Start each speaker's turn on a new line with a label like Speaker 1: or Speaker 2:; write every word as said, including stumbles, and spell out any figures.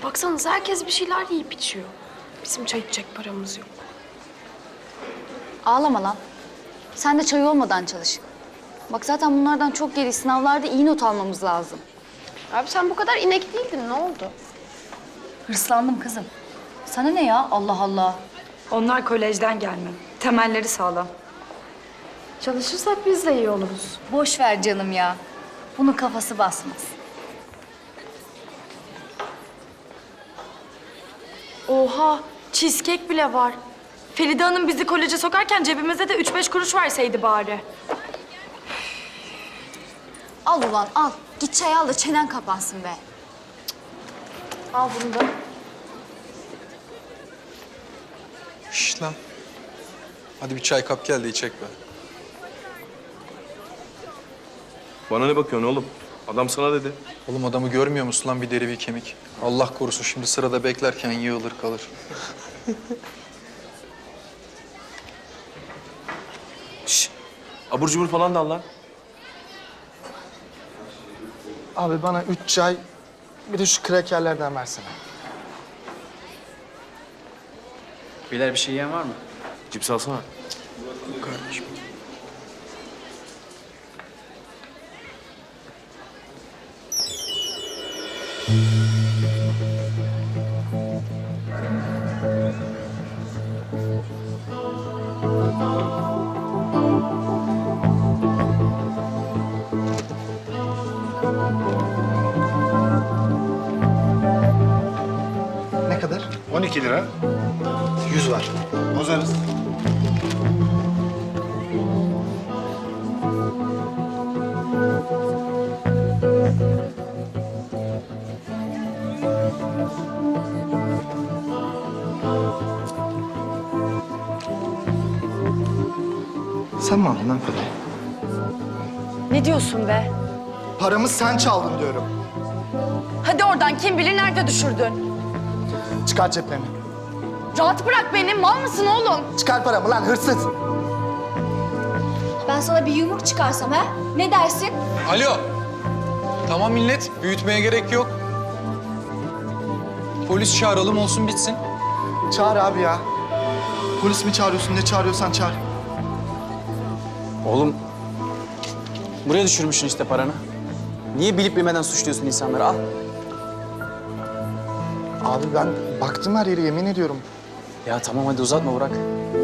Speaker 1: baksanıza herkes bir şeyler yiyip içiyor. Bizim çay içecek paramız yok.
Speaker 2: Ağlama lan. Sen de çay olmadan çalış. Bak zaten bunlardan çok geri sınavlarda iyi not almamız lazım.
Speaker 1: Abi sen bu kadar inek değildin, ne oldu?
Speaker 2: Hırslandım kızım. Sana ne ya? Allah Allah.
Speaker 3: Onlar kolejden gelme. Temelleri sağlam.
Speaker 1: Çalışırsak biz de iyi oluruz.
Speaker 2: Boş ver canım ya. Bunun kafası basmaz.
Speaker 3: Oha, cheesecake bile var. Feride Hanım bizi koleje sokarken cebimize de üç beş kuruş verseydi bari.
Speaker 2: Al ulan al. Git çay al da çenen kapansın be.
Speaker 1: Al bunu da.
Speaker 4: Şş lan. Hadi bir çay kap gel de içek be.
Speaker 5: Bana ne bakıyorsun oğlum? Adam sana dedi.
Speaker 4: Oğlum adamı görmüyor musun lan, bir deri bir kemik? Allah korusun şimdi sırada beklerken yığılır kalır.
Speaker 5: Şş, abur cubur falan da al lan.
Speaker 6: Abi bana üç çay, bir de şu krakerlerden versene.
Speaker 7: Beyler bir şey yiyen var mı?
Speaker 5: Cips alsana.
Speaker 4: Kardeşim.
Speaker 6: Ne kadar?
Speaker 8: on iki lira.
Speaker 6: Yüz var.
Speaker 8: Bozarız.
Speaker 6: Sen mi aldın lan parayı?
Speaker 3: Ne diyorsun be?
Speaker 6: Paramı sen çaldın diyorum.
Speaker 3: Hadi oradan, kim bilir nerede düşürdün?
Speaker 6: Çıkar ceplerini.
Speaker 3: Rahat bırak beni, mal mısın oğlum?
Speaker 6: Çıkar paramı lan hırsız.
Speaker 2: Ben sana bir yumruk çıkarsam ha? Ne dersin?
Speaker 4: Alo. Tamam millet, büyütmeye gerek yok. Polis çağıralım, olsun bitsin.
Speaker 6: Çağır abi ya. Polis mi çağırıyorsun, ne çağırıyorsan çağır.
Speaker 7: Oğlum, buraya düşürmüşsün işte paranı. Niye bilip bilmeden suçluyorsun insanları? Al.
Speaker 6: Abi ben baktım her yere, yemin ediyorum.
Speaker 7: Ya tamam hadi uzatma Burak.